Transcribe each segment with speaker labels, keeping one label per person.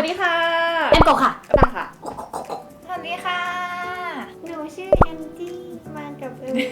Speaker 1: ดีค่ะ
Speaker 2: แอมโกค่ะ
Speaker 1: ตั้งค่ะ
Speaker 3: สวัสดีค่ะหนูชื่อแอนจี้มากับ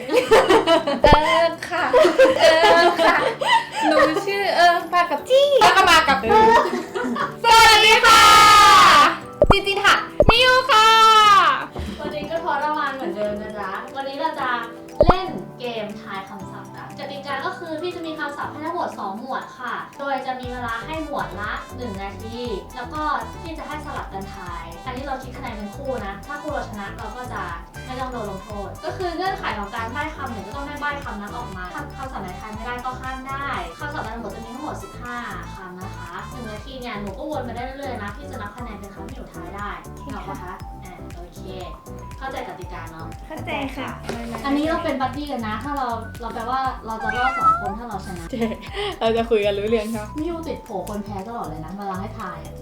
Speaker 1: ค่ะค่ะหนูชื่อมากับจี้แล้วก็มากับสวัสดีค่ะจีจีค่ะมิวค่ะ
Speaker 2: วันนี้ก็ทรมานเหมือนเดิมนะจ๊ะวันนี้เราจะเล่นเกมทายคำศัพท์กันกติกาก็คือพี่จะมีคำศัพท์ให้ทั้งหมด2หมวดค่ะโดยจะมีเวลาให้หมวดละ1นาทีแล้วก็พี่จะให้สลับกันทายอันนี้เราคิดคะแนนเป็นคู่นะถ้าคู่เราชนะเราก็จะไม่ต้องโดนลงโทษก็คือเงื่อนไขของการใบ้คำเนี่ยก็ต้องได้ใบ้คำนั้นออกมาถ้าคำศัพท์ไหนทายไม่ได้ก็ข้ามได้คำศัพท์ในหมวดจะมีทั้งหมด15คำนะคะ1นาทีเนี่ยหนูก็วนไปได้เรื่อยๆนะพี่จะนับคะแนนเป็นคำที่หนูทายได้เหรอคะโอเคเข้าใจกติกาเนาะ
Speaker 3: เข้าใจค่ะ
Speaker 2: อันนี้เราเป็นบัดดี้กันนะ ถ้าเราแปลว่าเราจะรอด2คนถ้าเราชนะ
Speaker 1: เราจะคุยกันรู้เรื่องใช่ไหม
Speaker 2: มิวติดโผคนแพ้ตลอดเลยนะเวลาให้ทายอ่ะ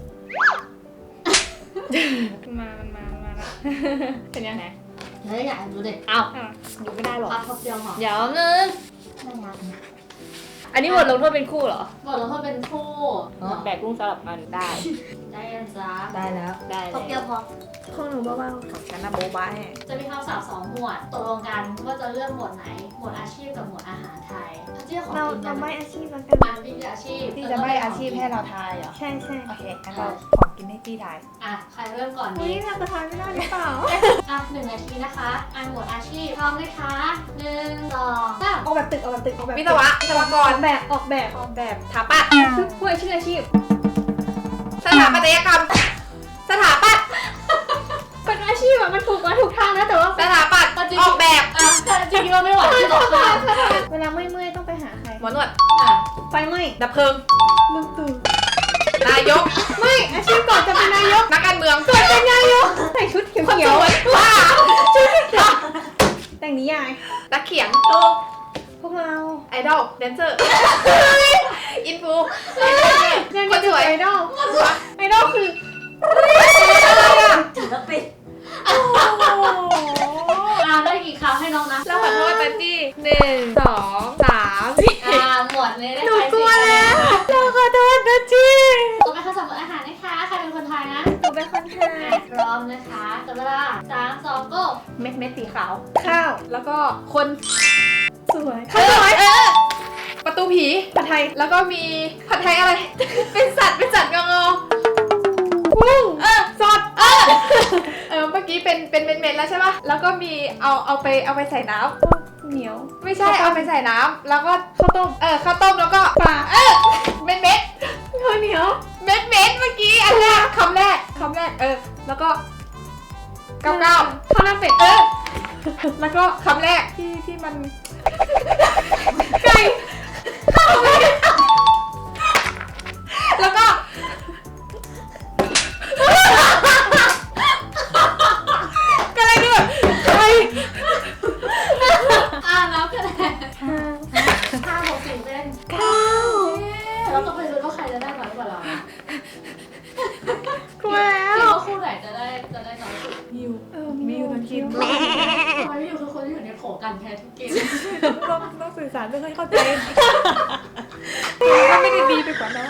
Speaker 1: มาแล้วเป็นยังไง
Speaker 2: เฮ้ยอยากดูเด็ก
Speaker 1: อ้าวดูไม่ได้หรอ
Speaker 2: พับทบเดียวหรอ
Speaker 1: เดี๋ยวนึง
Speaker 2: ไม่ยากนะ
Speaker 1: อันนี้บทลงโทษเป็นคู่เหรอ
Speaker 2: บอกแล้วว่าเป็นคู่
Speaker 1: แบกกุ้งสลับกันได้
Speaker 2: ได้ยังจ้า
Speaker 3: ได้แล้ว
Speaker 1: ได้
Speaker 2: ทบเดียวพอ
Speaker 3: ของหนูเบา
Speaker 1: ของฉันนะโบ๊ะบ้าแห่
Speaker 2: จะมีคำศัพท์2หมวดตกลงกันว่าจะเลือกหมวดไหน หมวดอาชีพกับหมวดอาหารไทยอาชีพของ
Speaker 3: ๆเรา
Speaker 2: กิน
Speaker 3: เราไม่
Speaker 2: ได้
Speaker 3: อาชีพแล้วกัน
Speaker 2: พี่คืออาชีพ
Speaker 4: พี่จะไม่อาชีพให้เราทายเหรอ
Speaker 3: ใช่ใช่
Speaker 4: โอเคงั้นเราของกินให้พี่ทาย
Speaker 2: อ่ะใครเริ่มก่อน
Speaker 3: อุ้
Speaker 2: ดี
Speaker 3: ยเราจะทายไม่ได้หรือเปล่า
Speaker 2: อ่ะ1นาทีนะคะหมวดอาชีพพร้อมไหมคะ1 2 3
Speaker 3: ออกแบบตึกออกแบบตึกออกแบบ
Speaker 1: วิศวะวิศวกร
Speaker 3: ออกแบบ
Speaker 1: ถาปัตย์
Speaker 3: ผู้ชื่ออาชีพ
Speaker 1: สถาปัตยกรรม สถาปัตย์
Speaker 3: เป็นอาชีพอะมันถูกมาถูกทางนะแต่ว่า
Speaker 1: สถาปัตย์ออกแบบ
Speaker 2: อ่ะจริงๆว่าไม่ไหวที่บอกค่ะ
Speaker 3: เวลาเมื่อยๆต้องไปหาใคร
Speaker 1: หมอนวด
Speaker 2: อ่ะ
Speaker 3: ไฟไหม้
Speaker 1: ดับเพลิง
Speaker 3: ลุงตู่
Speaker 1: นายก
Speaker 3: ไม่อาชีพก่อนจะเป็นนายก
Speaker 1: นักการเมือง
Speaker 3: เป็นนายกใส่ชุดเขี
Speaker 1: คนส
Speaker 3: ยว
Speaker 1: วยว่า
Speaker 3: ๆแต่งนิยาย
Speaker 1: นักเขียน
Speaker 3: พวกเรา
Speaker 1: ไอดอลแดนเซอร์อินฟู
Speaker 3: ยัง
Speaker 1: คนสวย
Speaker 3: ไอดอลไอดอลคือ
Speaker 2: ศิลปินได้กี่คำให้น้องนะ
Speaker 1: เราขอโทษปันจี้1 2 3 4
Speaker 2: หมวดนี้ได้
Speaker 3: หนู
Speaker 2: ไป
Speaker 3: กลัวแล้ว
Speaker 2: 4
Speaker 3: เราขอโทษนะจี
Speaker 2: ต่อไปคำศัพท์อาหารนะคะใครเป็นคนไทยนะ
Speaker 3: หนูเป็นคนไทย
Speaker 2: พร้อมนะคะจับเวลา3 2 go
Speaker 1: เม็ดสีขาว
Speaker 3: ข้าว
Speaker 1: แล้วก็คน
Speaker 3: สวยข้าวสวย
Speaker 1: ประตูผี
Speaker 3: ผัดไทย
Speaker 1: แล้วก็มีผัดไทยอะไร เป็นสัตว์งอ
Speaker 3: กุ้ง
Speaker 1: สดเมื่อกี้เป็นเม็ดๆแล้วใช่ป่ะ แล้วก็มีเอาไปใส่น้
Speaker 3: เหนียว
Speaker 1: ำไม่ใช่เอาไปใส่น้ำแล้วก็ข้าวต้มแล้วก็
Speaker 3: ปลา
Speaker 1: เม็ด
Speaker 3: ข้าวเหนียว
Speaker 1: เม็ดเมื่อกี้อันแรกคำแรกแล้วก็เก้า
Speaker 3: ข้าวหน้าเป็ด
Speaker 1: แล้วก็คำแรกที่มัน
Speaker 3: ไก่
Speaker 1: แล้วก็ก็อะไรนี่แบบใคร
Speaker 2: นับคะแนน5 6 4เป็น
Speaker 3: ข้าว
Speaker 2: เราต้องไปดูว่าใครจะได้น้อยกว่าเรานะ
Speaker 3: กลัวแล้
Speaker 2: คิด
Speaker 3: ว
Speaker 2: ว่าคู่ไหนจะได้น้อยสุด
Speaker 1: มิว
Speaker 3: มิวกิน
Speaker 2: ทำไมอยู่คือคนที่อยู่ในโผกันแพ้ทุกเกม
Speaker 1: ต้องสื่อสารไม่ค่อยเข้าใจก็ไม่ได้ดีไปกว่าน้อง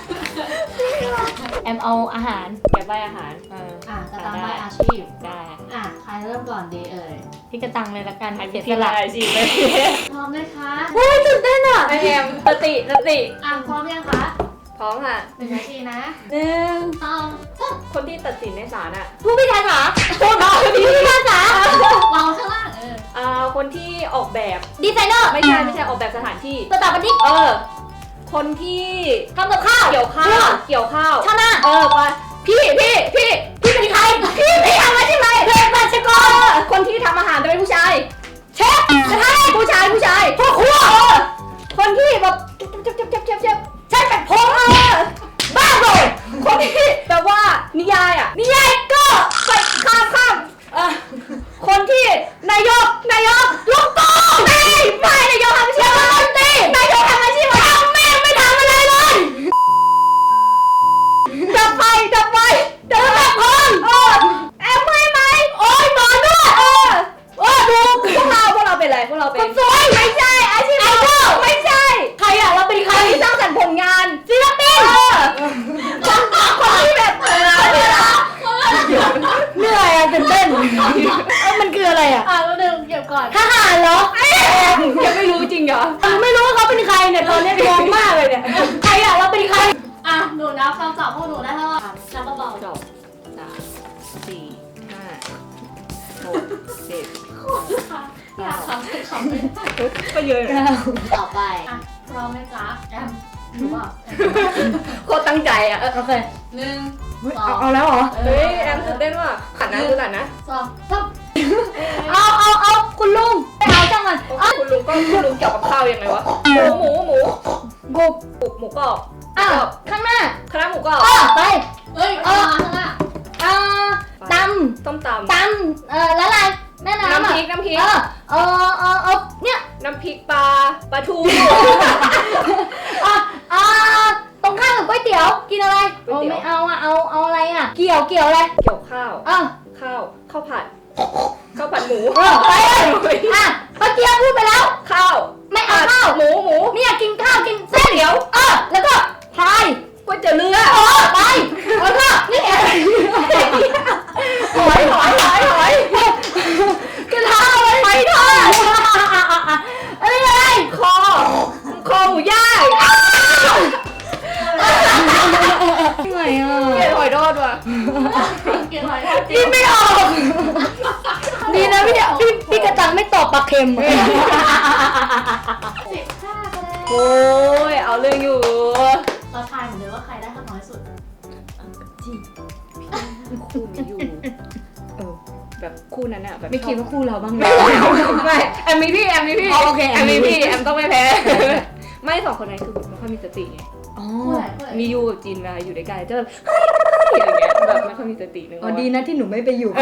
Speaker 4: แอมเอาอาหารแกใบอาหาร
Speaker 2: จะตามใบอาชีพ
Speaker 4: ได้
Speaker 2: ใครเริ่มก่อนดีเอ่ย
Speaker 4: พี่กระตังเลยละกันเสียส
Speaker 1: ที่
Speaker 4: ละ
Speaker 1: ลายสิเลย
Speaker 2: พร้อมไหมคะ
Speaker 1: ไอแอมสติ
Speaker 2: พร้อมยังคะ
Speaker 1: พร้อมค่ะ
Speaker 2: 1 นาทีนะ
Speaker 4: 1
Speaker 2: 2
Speaker 1: คนที่ตัดสินในศาลอ่ะ
Speaker 4: ผู้พิพากษาผู้พิพากษาว
Speaker 2: างข้างล่าง
Speaker 1: คนที่ออกแบบ
Speaker 4: ดีไซเนอร์
Speaker 1: ไม่ใช่ออกแบบสถานที่
Speaker 4: สถาปนิก
Speaker 1: คนที่
Speaker 4: ทำกับข้าว
Speaker 1: เกี่ยวข้าว
Speaker 4: ชาวนา
Speaker 1: ไปพี่
Speaker 4: พี่เป็นใครพี่ทำอะไรที่ไหนเภสัชกร
Speaker 1: คนที่ทำอาหารจะเป็นผู้ชาย
Speaker 4: เชฟกระทะผู้ชายพ่อครัว
Speaker 1: คนที่แบบเจ็บ
Speaker 4: ใช่เป็นผมบ้าเลย
Speaker 1: คนที่แบบว่านิยายอ่ะ
Speaker 4: นี่ไงก็ไปข้าม
Speaker 1: คนที่นายก
Speaker 4: ลูกโป่งไม่นายกทำอาชีพอะไรตีนายกทำอาชีพอะไรแม่ไม่ทำอะไรเลยดับไฟเดินแบบคนแอมไม่ไหมโอ้ยหมอนวดดูพวกเราเป็นอะไรพวกเราเป็นคนสวยไม่ใช่อาชีพไอดอลเนี่ยตอนนี้งงมากเลยเนี่ยใครอะเราเป็นใคร
Speaker 2: อ่ะหนูนับคำศัพท์พวกหนูได้เท่าไหร่นับเบา
Speaker 3: 2 3 4 5 6 7
Speaker 2: ค่ะอยากคำเป็นคำเป็น
Speaker 3: ก็เยอะนะ
Speaker 2: ต่อไปอ่ะพร้อมไหมจ๊ะแอมหรือเปล่า
Speaker 3: โคตรตั้งใจอ่ะ
Speaker 4: โอเค
Speaker 2: หนึ่ง
Speaker 4: เอาแล้วเหรอ
Speaker 3: เฮ้ยแอมตื่นเต้นว่ะขัดนะดูขัดนะ
Speaker 2: สองสาม
Speaker 4: เอาคุณลุงไปเอาจังมัน
Speaker 3: คุณลุงเกี่ยวกับข้าวยังไงวะหมู
Speaker 4: กุบ
Speaker 3: หมูกรอบ
Speaker 4: ข้างหน้า
Speaker 3: คณะหมูกรอบ
Speaker 4: ไป
Speaker 2: เฮ้ยเอามาข้างหน้า
Speaker 4: ต
Speaker 3: ต้มตำ
Speaker 4: ำแล้วอะไรแม่น้ำ
Speaker 3: น้ำพริก
Speaker 4: เนี่ย
Speaker 3: น้ำพริกปลาทู
Speaker 4: ตรงข้ามกับก๋วยเตี๋ยวกินอะไรไม่เอาเอาอะไรอ่ะเกี่ยวอะไร
Speaker 3: เกี่ยวข้าว ข้าวผัดหมู
Speaker 4: ไปป้าเกียวพูดไปแล้ว
Speaker 3: ข้าว
Speaker 4: ไม่เอาข้าว
Speaker 3: หมู
Speaker 4: เนี่ยกินข้าวกินเส้นเดี๋ยวแล้วก็พาย
Speaker 3: ก๋วยเตี๋ยวเรือ
Speaker 4: ไปแล้วก็นี่อะไร
Speaker 3: หอย
Speaker 4: กระทะอะไรไปทอดอะไร
Speaker 3: คอหมูย่าง
Speaker 4: เหนื่อยอ่ะ
Speaker 3: เกล็ดหอยทอดว่ะ
Speaker 2: เกี่ยวอะไร
Speaker 4: กินไม่ออกดีนะพี่กระจังไม่ตอบปลาเค็ม
Speaker 2: 15คะแนน
Speaker 3: โอ้ยเอาเรื่องอยู่
Speaker 2: เราทายเหมือนเดิมว่าใครได้คะน้อยสุด
Speaker 3: คู่นี้อยู่แบบคู่นั้นอะแบบ
Speaker 4: ไม่คิดว่าคู่เราบ้างไหม
Speaker 3: ไม่แอมมีพี่
Speaker 4: โอเค
Speaker 3: แอมมีพี่แอมต้องไม่แพ้ ไม่สองคนนั้นคือไม่ค่อยมีสติไง
Speaker 4: อ๋อ
Speaker 3: มียูกับจีนมาอยู่ด้วยกันจะแบบอย่างเงี้ยแบบไม่ค่อยมีสตินึง
Speaker 4: ดีนะที่หนูไม่ไปอยู่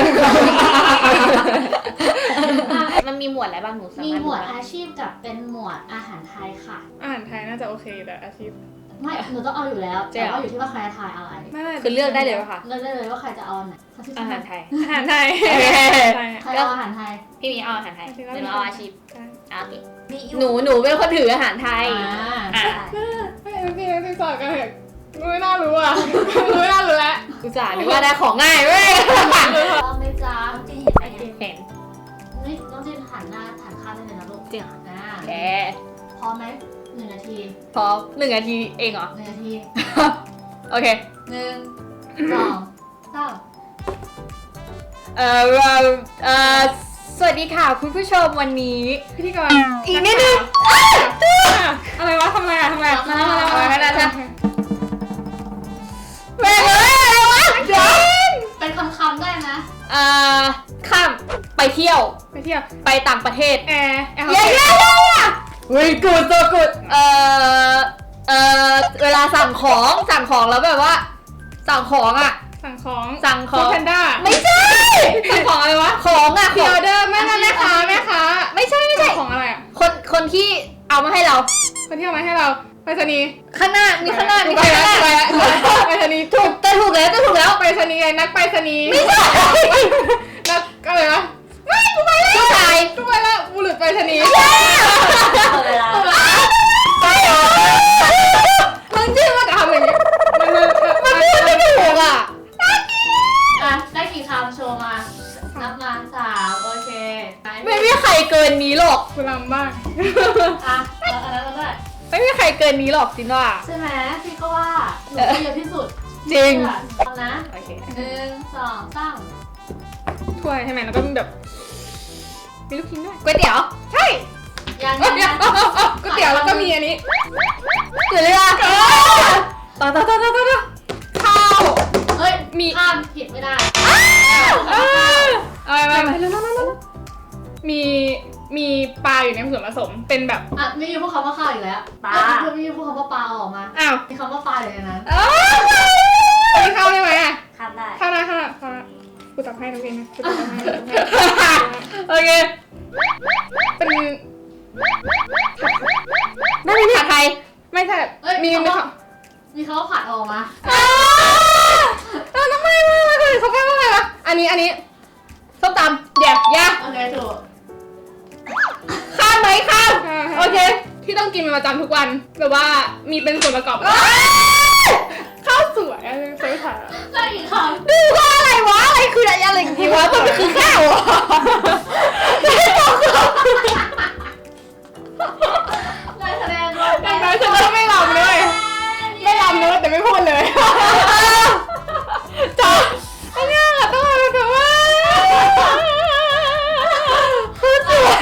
Speaker 1: มันมีหมวดอะไรบ้างหนูสา
Speaker 2: มี
Speaker 1: มารถ
Speaker 2: หมวดอาชีพกับเป็นหมวดอาหารไทยค่ะ
Speaker 5: อาหารไทยน่าจะโอเคแต่อาชีพ
Speaker 2: ไม่หนูต้องเอาอยู่แล้วแต่ว่าอยู่ที่ว่าใครจะทายอะไร
Speaker 5: ไม่
Speaker 3: คือเลือกได้เลยป่ะคะ
Speaker 2: เลือกได้เลยว่าใครจะเอาอันไหน
Speaker 3: อาหารไทย
Speaker 5: อาหารไทย
Speaker 2: ใครเอาอาหารไทย
Speaker 1: พี่มีเอาอาหารไทยหรือเอาอาชีพโอเค
Speaker 3: มี
Speaker 1: หนูเป็นคนถืออาหารไทย
Speaker 2: อ่า
Speaker 5: พี่สอนกันเถอะไม่น่ารู้อ่ะไม่น่ารู้แล้ว
Speaker 1: อุตส่าห์นึกว่าได้ของง่ายเว้ย
Speaker 2: เราไม่จ้า
Speaker 3: จริงเห็นไหม
Speaker 1: เห็น
Speaker 2: นี่ต้องจิ้นหันหน้าหันข้างได้เลยนะลูก
Speaker 1: จริงเหรอ
Speaker 2: อ่า
Speaker 1: แก
Speaker 2: พร้อมไหม1 นาที
Speaker 1: พอ1 นาทีเองเหรอ
Speaker 2: 1 นาที
Speaker 1: โอเค
Speaker 2: 1 2 3
Speaker 1: สวัสดีค่ะคุณผู้ชมวันนี้
Speaker 5: พิธีกร
Speaker 1: อีกนิดนึง
Speaker 5: อะไรวะทำไมอ่ะมาแล้ว
Speaker 1: แม่งเอ้ยอะไรวะเดี๋ยว
Speaker 2: เป็นคำได้นะ
Speaker 1: ข้ามไปเที่ยว
Speaker 5: ไปเที่ยว
Speaker 1: ไปต่างประเทศ
Speaker 5: แอร์
Speaker 1: เย้เฮ้ยกูดตัวกูดเวลาสั่งของแล้วแบบว่า สั่งของอ่ะ
Speaker 5: สั่งของ
Speaker 1: สั่งของ
Speaker 5: แพนด้า
Speaker 1: ไม่ใช่ สั่งของอะไรวะ ของอ่ะ
Speaker 5: พิออเดอร์แม่ค้า
Speaker 1: ไม่ใช่
Speaker 5: ของอะไรอ่ะ
Speaker 1: คนที่เอามาให้เรา
Speaker 5: คนที่เอามาให้เราไปรษณีย์
Speaker 1: ข้างหน้ามีข้างหน้า
Speaker 5: ไปรษณีย์
Speaker 1: ถูกแล้ว
Speaker 5: ไปรษณีย์นักไปรษณีย์
Speaker 1: ไม่ใช่
Speaker 5: นักอะไรวะ
Speaker 1: ผู้ชาย
Speaker 5: ก็ไปแล้วบุรุษไปรษณีย์
Speaker 2: เวลา
Speaker 1: มึงชื่อว่า
Speaker 5: ทำอย่างนี้มัน
Speaker 1: มันพูดไม่ถูกอ่ะ
Speaker 2: อ่ะได้กี่คำโชว์มานับมา3โอเค
Speaker 1: ไม่มีใครเกินนี้หรอก
Speaker 5: กูลำบ้าง
Speaker 2: อ่ะแล้วอันนั้นก็ได้
Speaker 1: ไม่มีใครเกินนี้หรอกจินว่า
Speaker 2: ใช่ไหมพี่ก็ว่าหนูก็เยอะที่สุด
Speaker 1: จริง
Speaker 2: เอานะ
Speaker 1: โอเค
Speaker 2: 1 2 3
Speaker 5: ถ้วยใช่ไหมแล้วก็มีแบบมีลูกชิ้นด้วย
Speaker 1: ก๋วยเตี๋ยว
Speaker 5: ใช่
Speaker 2: ยัง
Speaker 5: ก๋วยเตี๋ยวก๋วยเตี๋ยวแล้วก็มีอันนี้
Speaker 1: เกิดเลยอ่ะต่อข้าว
Speaker 2: เฮ้ยมีข้ามผิดไม่ได้
Speaker 5: อะไรมีปลาอยู่ในส่วนผสมเป็นแบบ
Speaker 2: อ่ะไม่มีพูดคำว่าข้าวอีกแล้วปลาไม่มีพูดคำว่าปลาออกมา
Speaker 5: อ้าว
Speaker 2: มีคำว่าปลาอยู่ในนั้น
Speaker 5: มีข้าวได้ไหมอ่ะ
Speaker 2: ข้ามได้
Speaker 5: ข้าวได้กูตักให้น้องเองนะกูตักให้
Speaker 1: โอเค
Speaker 5: เป็น
Speaker 1: ไม่มีผัดไทย
Speaker 5: ไม่ใช่
Speaker 2: เอ้ย
Speaker 5: มี
Speaker 2: มีคำว่าผัดออกมา
Speaker 5: ทำไมเขาแปลว่าอะไรวะอันนี้ส้มตำแย่
Speaker 2: โอเคถูก
Speaker 1: ข้ามไหมข้าม
Speaker 5: โอเคที่ต้องกินเป็นประจำทุกวันแบบว่ามีเป็นส่วนประกอบข้าวสวยอะไรสวยค่ะ
Speaker 2: ได้อีกคำ
Speaker 1: ดูว่าอะไรวะอะไรคืออะไรจริงวะมันคือข้าวอ่ะ
Speaker 2: ได้คะแนนรวม
Speaker 5: ได้พูดเลยจบอันนี้ต้องมาแบบว่าคือสวย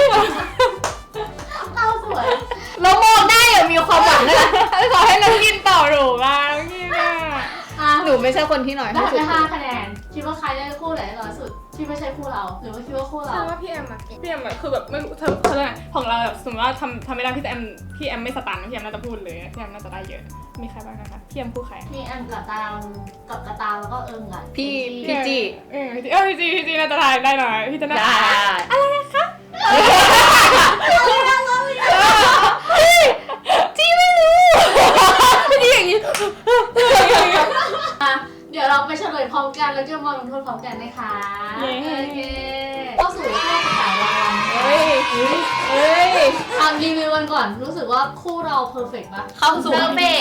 Speaker 2: เราสวย
Speaker 4: เรามองได้อย่างมีความหวังเลย
Speaker 5: ขอให้น้องกินต่อหนูบ้างกินอ่ะ
Speaker 2: อ่ะ
Speaker 4: หนูไม่ใช่คนที่น้อย
Speaker 2: ได้
Speaker 4: ที่สุ
Speaker 2: ไป
Speaker 4: ด
Speaker 2: 5 คะแนน คิดว่าใครได้คู่ไหนน้อยสุด ที่ไม่ใช่คู่เรา หรือว่าคิดว่าคู่เรา
Speaker 5: ใช่ว่าพี่แอมอะพี่แอมอะคือแบบไม่รู้เธอเขาเรียกอะไรของเราแบบสมมติว่าทำไม่ได้พี่แอมไม่สตันพี่แอมน่าจะพูดเลยพี่แอมน่าจะได้เยอะมีใครบ้างนะคะพี่แอมคู่ใคร
Speaker 2: มีแอมกับตามกับกระตามแล้วก็เอิงกับ
Speaker 4: พี่จี
Speaker 5: พี่จีน่าจะได้หน่อยพี่จะน่า
Speaker 4: ได้จีไม่รู้จีอย่างนี้
Speaker 2: อ่ะเดี๋ยวเราไปเฉลยพร้อมกันแล้วจะมาลงโทษพร้อมกันนะคะโอเคเข้าสู่ช่วงขายรางวัล
Speaker 4: เฮ้ย
Speaker 2: ทำรีวิวกันก่อน รู้สึกว่าคู่เราเพอร์เฟกต์ปะ
Speaker 4: เข้าสู่
Speaker 3: เบก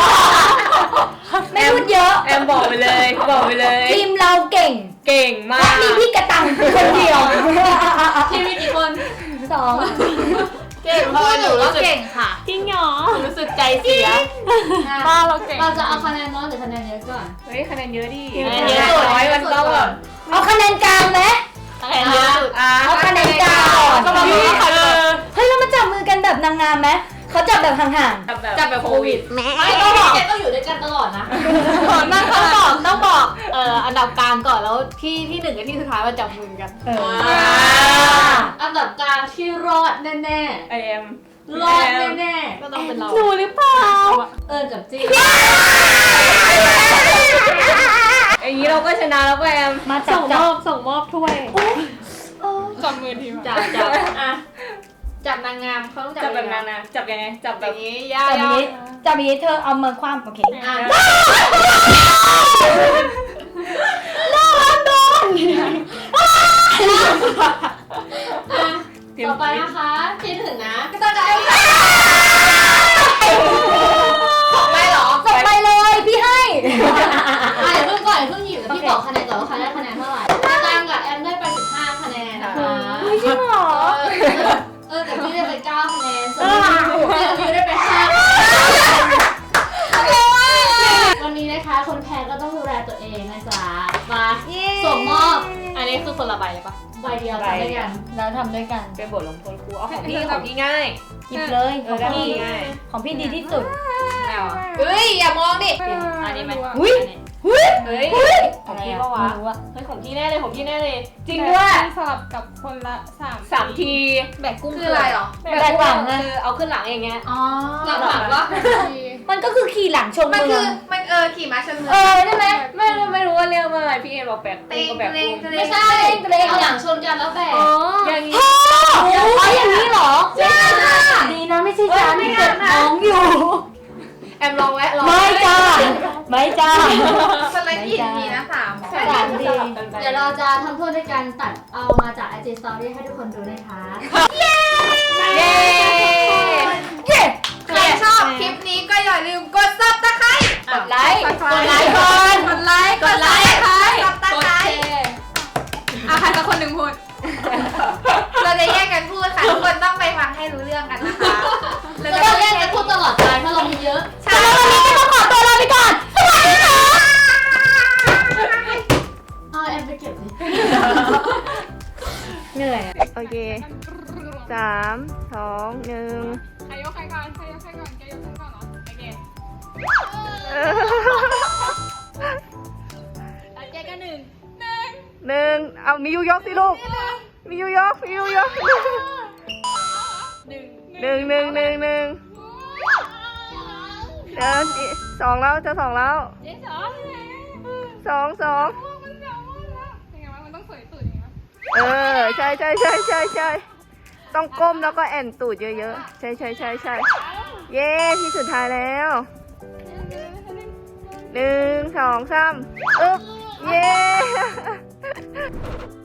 Speaker 4: ไม่พูดเยอะแอมบอกไปเลยทีมเราเก่งมากมีพี่กระตังคนเดียว
Speaker 2: ทีมมีกี่คน
Speaker 3: เก่งพอหนูก็เก่งค่ะ
Speaker 4: จริงเหรอรู้สึกใจเสีย
Speaker 5: บ้าเราเก่ง
Speaker 2: เราจะเอาคะแนนน้อยหรือคะแนนเยอะก่อน
Speaker 4: เฮ้ยคะแนนเยอะดิ
Speaker 2: คะแนนเยอะสุด
Speaker 4: มันต้องแบบเอาคะแนนกลางไหม
Speaker 2: คะแนนเยอะสุด
Speaker 4: เอาคะแนนกลางก็มาบอกว่าเฮ้ยเรามาจับมือกันแบบนางงามไหมเขาจับแบบห่างๆจับแบบโควิด
Speaker 2: ไม่ต้องบอกต้องอยู่ด้วยกันตลอดนะ
Speaker 4: ต้องบอกอันดับกลางก่อนแล้วที่หนึ่งกับที่สุดท้ายมาจับมือกัน
Speaker 2: อันดับกลางที่รอดแน่
Speaker 4: ไอเอ็ม
Speaker 2: ๆรอดแน่
Speaker 4: ก็ต้องเป็นเราหนูหรือเปล่า
Speaker 2: ๆเอิญกับจี้
Speaker 4: อย่างนี้เราก็ชนะแล้วแอมมาส่งมอบถ้วย
Speaker 5: จับมือทีม
Speaker 2: จับอ่ะจับนางงามเขาต้องจับ
Speaker 4: จับแบบ
Speaker 2: ยังไง
Speaker 4: นั้นนะจับยังไงจับแบบนี้
Speaker 3: จับอย่างนี้จับอย่างนี้เธอเอามือคว้ำโอเค
Speaker 2: อ่ะต่อไปนะคะคิดถึงนะก็ต้องจะ
Speaker 3: ไม่หรอ
Speaker 4: ส่งไปเลยพี่ให้
Speaker 2: อย่าเพิ่งก่อนอย่าเพิ่งหยิบแต่พี่บอกคะแนนก่อนว่าใครได้คะแนนเท่าไหร่ตามกับแอมได้ไป15 คะแนนนะคะ
Speaker 4: จริงเหรอ
Speaker 2: แต่พี่ได้ไป9 คะแนนส่วนพี่ได้ไป5 วันนี้นะคะคนแพ้ก็ต้องดูแลตัวเองนะจ๊ะมาส่งมอบ
Speaker 4: อันนี้คือคนละใบเลยปะ
Speaker 2: ใบเดียวกันด้วยกัน
Speaker 3: แล้วทำด้วยกัน
Speaker 4: เป็นบทลงโทษครูเอาของพี่ง่าย
Speaker 3: หยิบเลยของ
Speaker 4: ได้
Speaker 3: พี่
Speaker 4: ง่าย
Speaker 3: ของพี่ดีที่สุด
Speaker 4: แนว
Speaker 3: เฮ้ยอย่ามองดิ
Speaker 4: อันนี้ไหม
Speaker 3: หุ้ย
Speaker 4: เฮ้ยของพี่ปะวะ
Speaker 3: ไม่รู้อะ
Speaker 4: เฮ้ยของพี่แน่เลยของพี่แน่เลยจริง
Speaker 5: ด้
Speaker 4: ด้
Speaker 5: ว
Speaker 4: วย ย
Speaker 5: สลับกับคนละ
Speaker 4: 3 ที
Speaker 3: แบกกุ้งคืออะไรหรอ
Speaker 4: แบกหลังคือเอาขึ้นหลังอย่างเงี้ย
Speaker 3: อ๋อ
Speaker 2: หลังๆว่า
Speaker 3: มันก็คือขี่หลังชม
Speaker 1: มัน
Speaker 3: เมื
Speaker 1: คือ อง มันขี่ม้าชนเมือง
Speaker 3: ใช่ไหม
Speaker 4: ไม่รู้ว่าเรียกว่าอะไรพี่เอ็นบอกแบก
Speaker 1: เต็ง
Speaker 4: ก็แบก
Speaker 1: เต็งเต็ง
Speaker 2: ไม่ใช่เอาหลังชนกันแล้วแบก
Speaker 4: อย่างนี้
Speaker 3: อย่างนี้เหรอดีนะไม่ใช่ฉันเจ็บท้องอยู่
Speaker 4: แอมลองแวะลอง
Speaker 3: ไม่จ้าไม่จ้า
Speaker 1: สไลด์ผิดมีนะ3
Speaker 3: สามดี
Speaker 2: เดี๋ยวเราจะทำโทษด้วยการตัดเอามาจาก IG Story ให้ทุกคนดูนะคะ
Speaker 4: เย้
Speaker 1: ใครชอบคลิปนี้ก็อย่าลืมกดซับตะไคร้
Speaker 4: กดไลค์
Speaker 1: กดไลค์ก่อนกดไลค์กดไลค์ซับตะไคร้
Speaker 5: ใครสักคนหนึ่งพูด
Speaker 1: เราจะแยกกันพูดค่ะทุกคนต้องไปฟังให้รู้เรื่องกันนะคะ
Speaker 2: เราจะเล่นกันพูดตลอดไปเพราะเรามีเยอะ
Speaker 1: ใช่
Speaker 3: ต้องขอตัวลาไปก่อน สวัสดีค่ะ
Speaker 2: เอาแอมไปเก็บดิ
Speaker 3: เหนื่อย
Speaker 4: โอเค3 2 1
Speaker 5: ใครยกใครก่อนใครยกใครก่อนแกยกฉันก่อนเหรอโอเค
Speaker 2: แกก็1
Speaker 4: 1เอามียูยกสิลูกมียูยก1 1 1 1 1เดี๋ยว2แล้วจะ2แล้ว
Speaker 5: เจ๊สองเลย
Speaker 4: 2
Speaker 5: มันสองแล้วยังไงวะมันต้องสวยสุดอย่างเงี้ย
Speaker 4: ใช่ต้องก้มแล้วก็แอนตูดเยอะๆใช่เย้ที่สุดท้ายแล้ว1 2 3อึ๊บเย้